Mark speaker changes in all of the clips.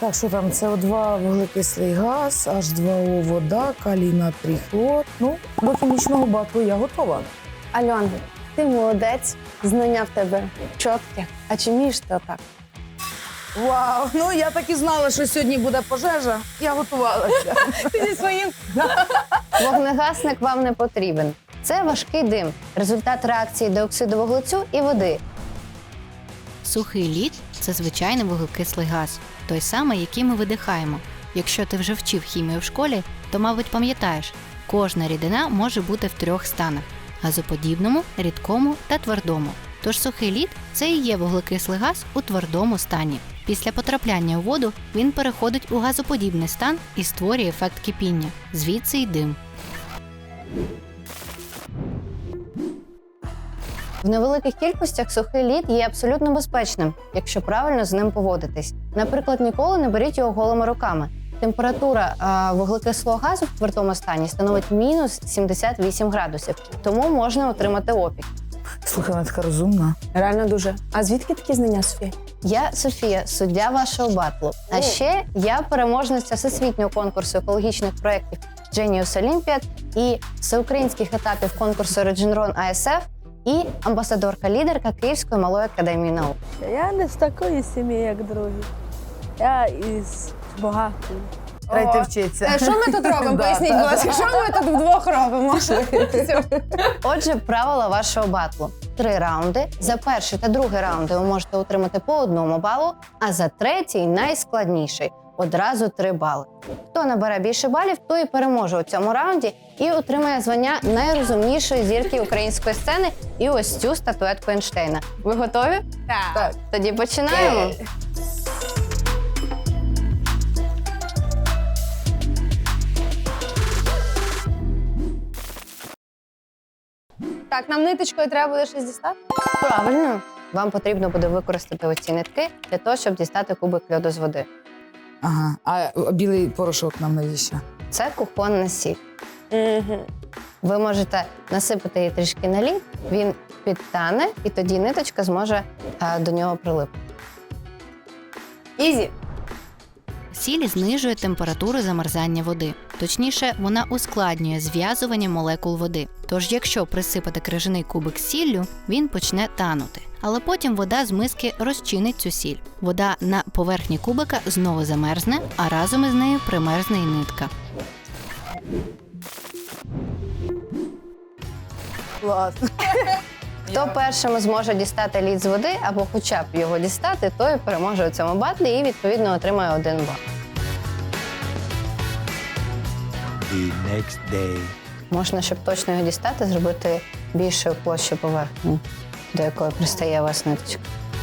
Speaker 1: Так, що там? СО2, вуглекислий газ, H2O, вода, калій, натрій, хлор. Ну, до хімічного батлу я готова.
Speaker 2: Альон, ти молодець, знання в тебе чітке. А чи вмієш ти отак?
Speaker 1: Вау, ну я так і знала, що сьогодні буде пожежа. Я готувалася.
Speaker 2: Ти зі своїм. Вогнегасник вам не потрібен. Це важкий дим, результат реакції диоксиду вуглецю і води.
Speaker 3: Сухий лід – це звичайний вуглекислий газ, той самий, який ми видихаємо. Якщо ти вже вчив хімію в школі, то, мабуть, пам'ятаєш, кожна рідина може бути в 3 станах – газоподібному, рідкому та твердому. Тож сухий лід – це і є вуглекислий газ у твердому стані. Після потрапляння у воду він переходить у газоподібний стан і створює ефект кипіння. Звідси й дим.
Speaker 2: В невеликих кількостях сухий лід є абсолютно безпечним, якщо правильно з ним поводитись. Наприклад, ніколи не беріть його голими руками. Температура вуглекислого газу в твердому стані становить мінус 78 градусів, тому можна отримати опік.
Speaker 1: Слухай, вона така розумна.
Speaker 2: Реально дуже. А звідки такі знання, Софія? Я Софія, суддя вашого батлу. А ще я переможниця всесвітнього конкурсу екологічних проєктів Genius Olympiad і всеукраїнських етапів конкурсу Regeneron ASF і амбасадорка-лідерка Київської малої академії наук.
Speaker 4: Я не з такої сім'ї, як другі. Я із багатої.
Speaker 1: Треба вчитися.
Speaker 2: Що ми тут робимо? Поясніть, будь ласка, що ми тут вдвох робимо? Отже, правила вашого батлу. 3 раунди. За перший та другий раунди ви можете отримати по 1 балу, а за третій, найскладніший, одразу 3 бали. Хто набере більше балів, той і переможе у цьому раунді і отримає звання найрозумнішої зірки української сцени і ось цю статуетку Ейнштейна. Ви готові?
Speaker 4: Так.
Speaker 2: Тоді починаємо. Так, нам ниточкою треба буде щось дістати? Правильно. Вам потрібно буде використати оці нитки для того, щоб дістати кубик льоду з води.
Speaker 1: Ага, а білий порошок нам навіщо?
Speaker 2: Це кухонна сіль. Ви можете насипати її трішки на лід, він підтане, і тоді ниточка зможе до нього прилипнути. Ізі!
Speaker 3: Сіль знижує температуру замерзання води. Точніше, вона ускладнює зв'язування молекул води. Тож, якщо присипати крижаний кубик сіллю, він почне танути. Але потім вода з миски розчинить цю сіль. Вода на поверхні кубика знову замерзне, а разом із нею примерзне і нитка.
Speaker 1: Клас.
Speaker 2: Хто першим зможе дістати лід з води, або хоча б його дістати, той переможе у цьому батлі і, відповідно, отримає 1 бал.
Speaker 5: The next day.
Speaker 2: Можна, щоб точно його дістати, зробити більшою площу поверхні, до якої пристає у вас ниточка.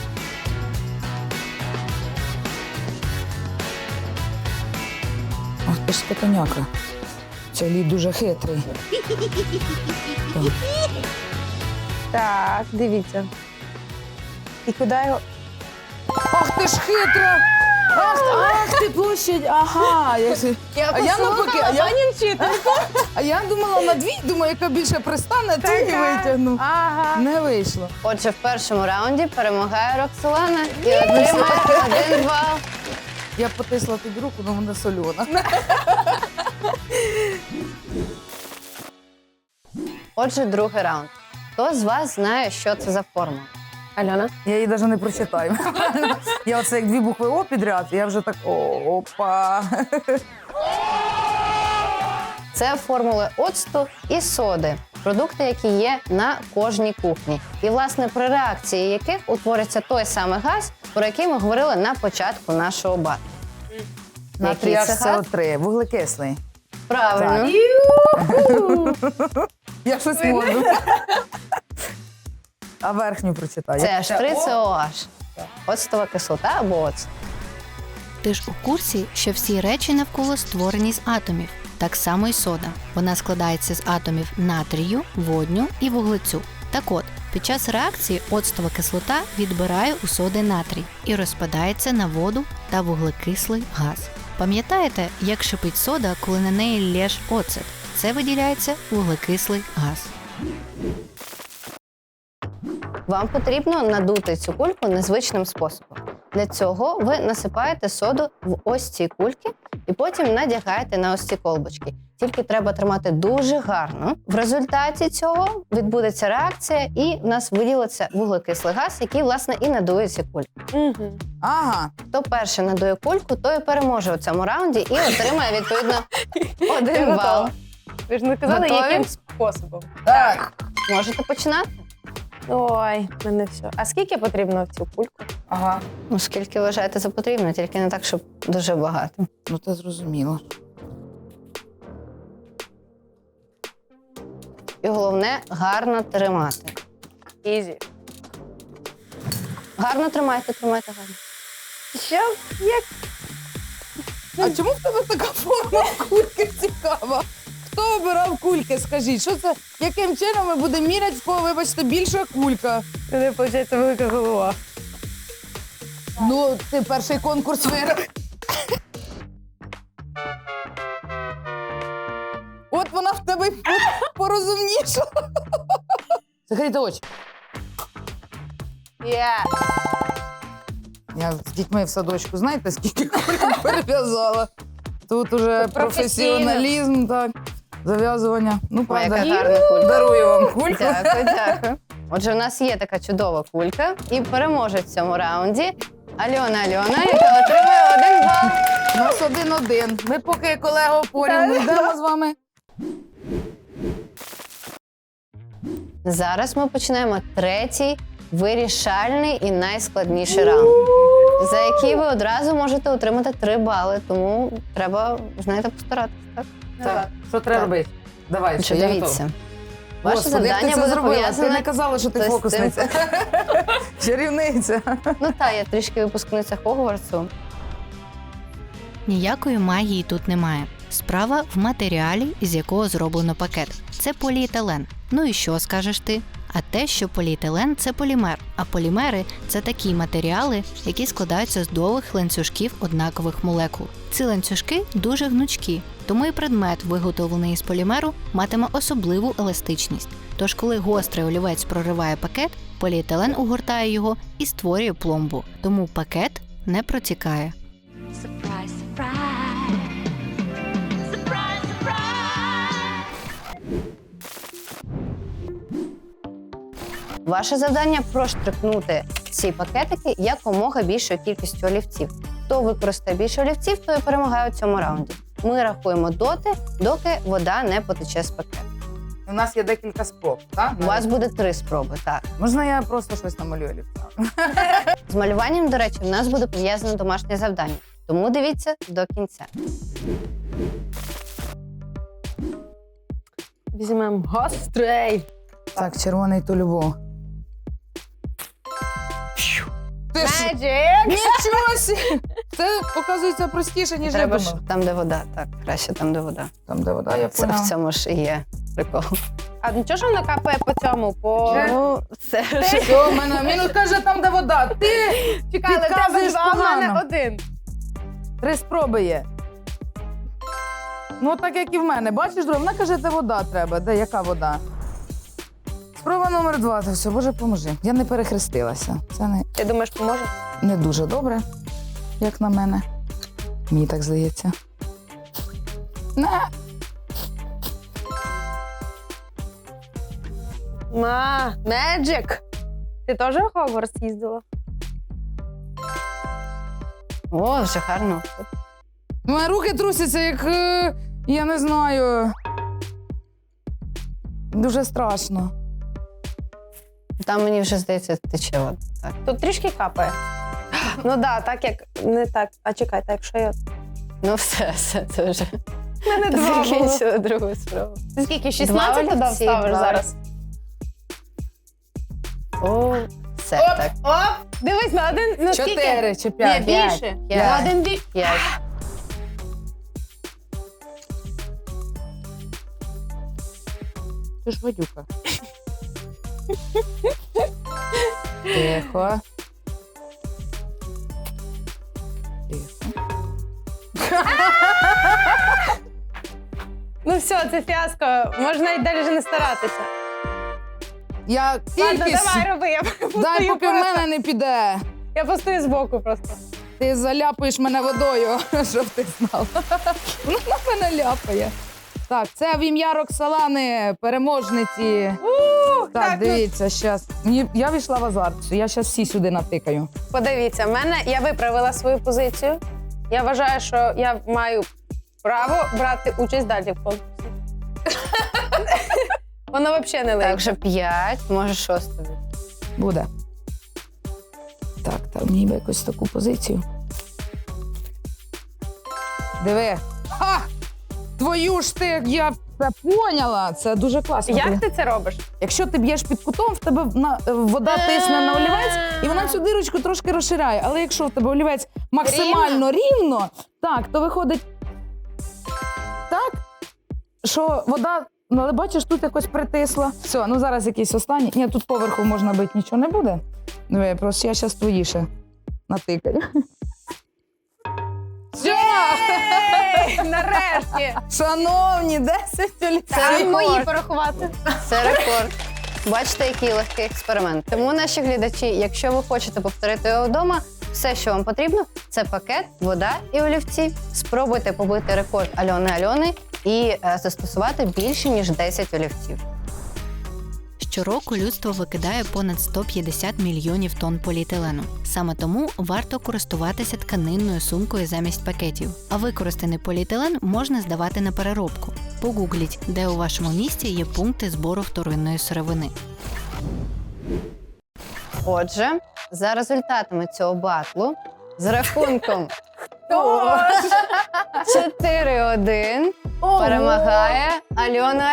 Speaker 1: Ах ти ж скотоняка. Цей лід дуже хитрий.
Speaker 4: Так, дивіться. І куди його?
Speaker 1: Ах ти ж хитра! Ах ти площадь! Ага! А я думала на 2, думаю, яка більше пристане, то і витягну.
Speaker 4: Ага.
Speaker 1: Не вийшло.
Speaker 2: Отже, в першому раунді перемагає Роксолана і отримає 1 бал.
Speaker 1: Я потисла тобі руку, але вона сольона.
Speaker 2: Отже, другий раунд. Хто з вас знає, що це за формула? Альона?
Speaker 1: Я її навіть не прочитаю. Я оце як 2 букви О підряд, я вже так опа.
Speaker 2: Це формули оцту і соди. Продукти, які є на кожній кухні. І, власне, при реакції яких утвориться той самий газ, про який ми говорили на початку нашого батлу.
Speaker 1: Натрій
Speaker 2: Який це газ?
Speaker 1: СО3, вуглекислий.
Speaker 2: Правильно.
Speaker 1: Я щось можу. А верхню прочитаю.
Speaker 2: Це H3COH. Оцтова кислота або оцт.
Speaker 3: Ти ж у курсі, що всі речі навколо створені з атомів. Так само й сода. Вона складається з атомів натрію, водню і вуглецю. Так от, під час реакції оцтова кислота відбирає у соди натрій і розпадається на воду та вуглекислий газ. Пам'ятаєте, як шипить сода, коли на неї лєш оцет? Це виділяється вуглекислий газ.
Speaker 2: Вам потрібно надути цю кульку незвичним способом. Для цього ви насипаєте соду в ось ці кульки і потім надягаєте на ось ці колбочки. Тільки треба тримати дуже гарно. В результаті цього відбудеться реакція, і в нас виділиться вуглекислий газ, який, власне, і надує ці кульки.
Speaker 4: Угу.
Speaker 1: Ага.
Speaker 2: Хто перший надує кульку, той і переможе у цьому раунді і отримає, відповідно, 1 бал.
Speaker 4: готова. Ви ж не казали,
Speaker 2: Готові?
Speaker 4: яким способом.
Speaker 1: Так.
Speaker 2: Можете починати?
Speaker 4: Ой, в мене все. А скільки потрібно в цю кульку?
Speaker 1: Ага.
Speaker 2: Ну, скільки вважаєте за потрібно, тільки не так, щоб дуже багато.
Speaker 1: Ну, це зрозуміло.
Speaker 2: І головне – гарно тримати.
Speaker 4: Ізі.
Speaker 2: Гарно тримайте гарно.
Speaker 4: Що? Як?
Speaker 1: А чому в тебе така форма кульки цікава? Хто обирав кульки, скажіть? Що це? Яким чином ми будемо міряти, в кого, вибачте, більша кулька?
Speaker 4: У мене, виходить, велика голова.
Speaker 1: Ну, ти перший конкурс виграв. От вона в тебе порозумніша. Закрийте очі. Я з дітьми в садочку, знаєте, скільки кульок перев'язала? Тут уже професіоналізм, так, зав'язування. Ну,
Speaker 2: Ой, яка
Speaker 1: правда,
Speaker 2: гарна кулька.
Speaker 1: дарую вам кульку.
Speaker 2: Дякую. Отже, у нас є така чудова кулька. І переможе в цьому раунді Альона, яка отримує 1 бал.
Speaker 1: У нас 1-1. Ми поки, колего, порівну йдемо з вами.
Speaker 2: Зараз ми починаємо 3-й вирішальний і найскладніший раунд, за який ви одразу можете отримати 3 бали. Тому треба, знаєте, постаратися. Так?
Speaker 1: Так. Що треба робити? Давай,
Speaker 2: Отже,
Speaker 1: я
Speaker 2: дивіться. Ваше
Speaker 1: Господи, як ти
Speaker 2: завдання
Speaker 1: це
Speaker 2: буде
Speaker 1: зробила? Ти не
Speaker 2: пов'язане...
Speaker 1: казала, що ти
Speaker 2: з цим.
Speaker 1: фокусниця. Чарівниця.
Speaker 2: Ну так, я трішки випускниця Хогвартсу.
Speaker 3: Ніякої магії тут немає. Справа в матеріалі, із якого зроблено пакет. Це поліетилен. Ну і що скажеш ти? А те, що поліетилен – це полімер, а полімери – це такі матеріали, які складаються з довгих ланцюжків однакових молекул. Ці ланцюжки дуже гнучкі, тому і предмет, виготовлений із полімеру, матиме особливу еластичність. Тож, коли гострий олівець прориває пакет, поліетилен угортає його і створює пломбу. Тому пакет не протікає.
Speaker 6: Surprise, surprise. Surprise, surprise.
Speaker 2: Ваше завдання – проштрикнути ці пакетики якомога більшою кількістю олівців. Хто використає більше олівців, той і перемагає у цьому раунді. Ми рахуємо доти, доки вода не потече з пакету.
Speaker 1: У нас є декілька спроб, так?
Speaker 2: У вас буде 3 спроби, так.
Speaker 1: Можна я просто щось намалюю олівцем?
Speaker 2: З малюванням, до речі, в нас буде пов'язане домашнє завдання. Тому дивіться до кінця.
Speaker 4: Візьмемо гострий.
Speaker 1: Так, червоний то любов. Ти ж...
Speaker 4: Magic!
Speaker 1: Нічого сі! Це, оказується, простіше, ніж
Speaker 2: Треба
Speaker 1: я
Speaker 2: ж
Speaker 1: думала.
Speaker 2: там, де вода. Так, краще там, де вода.
Speaker 1: Там, де вода, я
Speaker 2: Це в
Speaker 1: поняла.
Speaker 2: цьому ж і є прикол.
Speaker 4: А нічого, що воно капає по цьому?
Speaker 2: Ну, все ж.
Speaker 1: Все, в мене мінус каже, там, де вода. Ти
Speaker 4: Чекай, але в тебе
Speaker 1: підказуєш
Speaker 4: 2, в мене
Speaker 1: погано.
Speaker 4: 1.
Speaker 1: 3 спроби є. Ну, так як і в мене. Бачиш, Дров, вона каже, де вода треба. Де, яка вода? Спроба номер 2. Та все, Боже, поможи. Я не перехрестилася. Це
Speaker 4: Ти думаєш, поможе?
Speaker 1: не дуже добре, як на мене. Мені так здається. На.
Speaker 4: Magic! Ти теж в Хогвартс їздила?
Speaker 2: О, вже гарно.
Speaker 1: Мої руки трусяться, як, я не знаю. Дуже страшно.
Speaker 2: Там мені вже здається, тече вода. Так.
Speaker 4: Тут трішки капає. Ну так, так як не так. А чекай, так якщо я.
Speaker 2: Ну все, це вже.
Speaker 4: У мене 2 було.
Speaker 2: Закінчила другу спробу.
Speaker 4: Ти скільки?
Speaker 2: 2
Speaker 4: 16 туди
Speaker 2: олівці,
Speaker 4: вставиш
Speaker 2: 2.
Speaker 4: зараз?
Speaker 2: О, все, так.
Speaker 4: Оп! Дивись, на 1, ну скільки?
Speaker 1: 4 чи
Speaker 4: Ні,
Speaker 1: 5?
Speaker 4: більше.
Speaker 2: П'ять.
Speaker 4: На 1 більше.
Speaker 2: 5.
Speaker 1: Ти ж гадюка. Тихо. Тихо.
Speaker 4: Ну все, це фіаско. Можна й далі не старатися.
Speaker 1: Я
Speaker 4: Ладно,
Speaker 1: кількість.
Speaker 4: давай роби, я
Speaker 1: Дай, поки в мене не піде.
Speaker 2: Я постою збоку просто.
Speaker 1: Ти заляпаєш мене водою, щоб ти знала. Вона мене ляпає. Так, це в ім'я Роксолани, переможниці. Так, дивіться, зараз. Я війшла в азарт, я зараз всі сюди натикаю.
Speaker 2: Подивіться, я виправила свою позицію. Я вважаю, що я маю право брати участь далі в конкурсі. Вона взагалі не легка. Так, вже 5, може 6.
Speaker 1: Буде. Так, мені би якусь таку позицію. Диви. Ха! Твою ж ти, я це поняла. Це дуже класно.
Speaker 2: Як ти це робиш?
Speaker 1: Якщо ти б'єш під кутом, в тебе вода тисне на олівець, і вона цю дирочку трошки розширяє. Але якщо в тебе олівець максимально рівно, так, то виходить так, що вода, але бачиш, тут якось притисла. Все, ну зараз якийсь останній. Ні, тут поверху можна бити, нічого не буде. Диви, просто я зараз твої ще натикаю. Все!
Speaker 2: Нарешті!
Speaker 1: Шановні, 10 олівців.
Speaker 2: Це мої порахувати. Це рекорд. Бачите, який легкий експеримент. Тому, наші глядачі, якщо ви хочете повторити його вдома, все, що вам потрібно, це пакет, вода і олівці. Спробуйте побити рекорд Альони і застосувати більше, ніж 10 олівців.
Speaker 3: Щороку людство викидає понад 150 мільйонів тонн поліетилену. Саме тому варто користуватися тканинною сумкою замість пакетів. А використаний поліетилен можна здавати на переробку. Погугліть, де у вашому місті є пункти збору вторинної сировини.
Speaker 2: Отже, за результатами цього батлу з рахунком 4-1 перемагає Альона.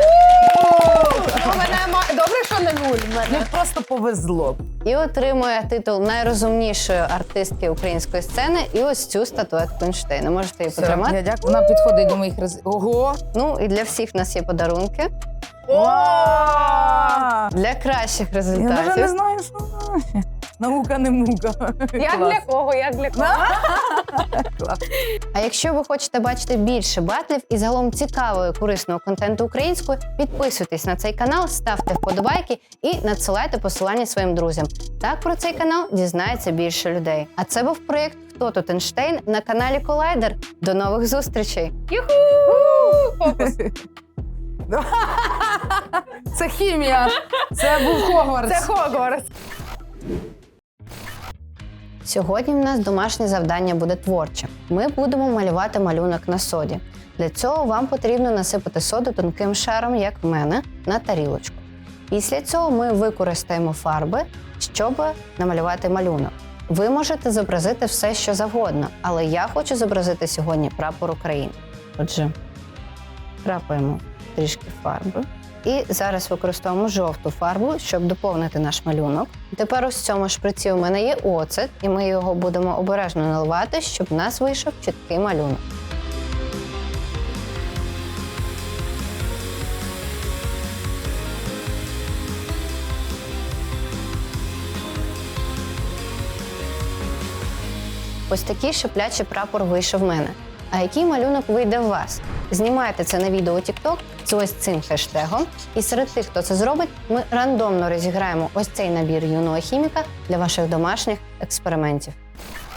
Speaker 4: Добре, що не нуль в мене.
Speaker 1: Мені просто повезло.
Speaker 2: І отримує титул найрозумнішої артистки української сцени і ось цю статуетку Ейнштейна. Можете її потримати.
Speaker 1: Я дякую. Вона підходить до моїх Ого!
Speaker 2: Ну і для всіх в нас є подарунки.
Speaker 1: О!
Speaker 2: Для кращих
Speaker 1: Я навіть не
Speaker 2: результатів.
Speaker 1: знаю, що наука не мука.
Speaker 2: Як
Speaker 1: Клас.
Speaker 2: для кого, як для кого.
Speaker 1: Клас.
Speaker 2: А якщо ви хочете бачити більше батлів і загалом цікавого і корисного контенту українською, підписуйтесь на цей канал, ставте вподобайки і надсилайте посилання своїм друзям. Так про цей канал дізнається більше людей. А це був проєкт «Хто тут Ейнштейн» на каналі Колайдер. До нових зустрічей! Фокус!
Speaker 1: Це хімія. Це був Хогвартс.
Speaker 2: Хогвартс! Сьогодні в нас домашнє завдання буде творче. Ми будемо малювати малюнок на соді. Для цього вам потрібно насипати соду тонким шаром, як в мене, на тарілочку. Після цього ми використаємо фарби, щоб намалювати малюнок. Ви можете зобразити все, що завгодно, але я хочу зобразити сьогодні прапор України. Отже, крапаємо трішки фарби. І зараз використовуємо жовту фарбу, щоб доповнити наш малюнок. Тепер ось в цьому шприці у мене є оцет, і ми його будемо обережно наливати, щоб в нас вийшов чіткий малюнок. Ось такий шиплячий прапор вийшов в мене. А який малюнок вийде у вас? Знімайте це на відео у TikTok з ось цим хештегом. І серед тих, хто це зробить, ми рандомно розіграємо ось цей набір юного хіміка для ваших домашніх експериментів.